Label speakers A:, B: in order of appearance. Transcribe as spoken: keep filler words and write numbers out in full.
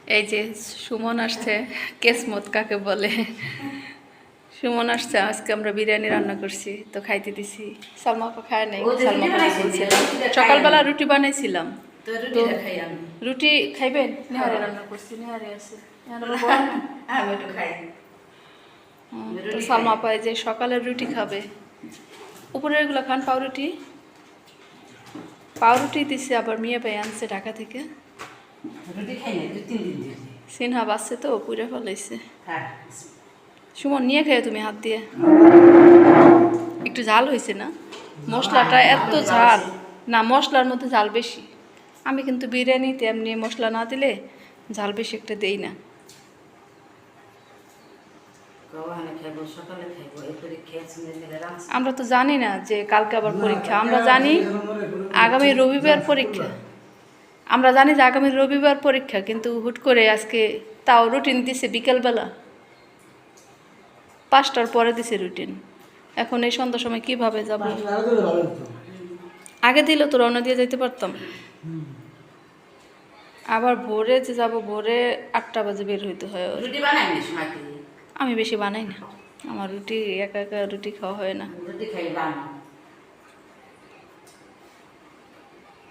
A: এই যে সুমন আসছে, কেসমত কাকে বলে, সুমন আসছে। আজকে আমরা বিরিয়ানি রান্না করছি, তো খাইতে দিছি। সালমা আপা খায় নাই, সালমা আপা বলছিলাম সকালবেলা রুটি বানাইছিলাম, তো রুটি খাইবেন। নেহারে রান্না করছি, নেহারে আছে, তো সালমা আপা যে সকালের রুটি খাবে। উপরের এগুলো খান পাউরুটি, পাউরুটি দিছে। আবার মিয়া ভাই আনছে ঢাকা থেকে, সিনহা বাসছে তো পুরে ফেলাইছে। সুমন নিয়ে খেয়ে তুমি হাত দিয়ে। একটু ঝাল হয়েছে না? মশলাটা এত ঝাল না, মশলার মধ্যে ঝাল বেশি। আমি কিন্তু বিরিয়ানিতে এমনি মশলা না দিলে ঝাল বেশি একটা দেই না। আমরা তো জানি না যে কালকে আবার পরীক্ষা। আমরা জানি আগামী রবিবার পরীক্ষা। আমরা জানি যে আগামী রবিবার পরীক্ষা, কিন্তু হুট করে আজকে তাও রুটিন দিছে বিকেলবেলা পাঁচটার পরে দিছে রুটিন। এখন এই সন্ধ্যার সময় কিভাবে যাব? আগে দিলে তো রওনা দিয়ে যেতে পারতাম। আবার ভোরে যে যাব, ভোরে আটটা বাজে বের হইতে হয়। আমি বেশি বানাই না, আমার রুটি একা একা রুটি খাওয়া হয় না।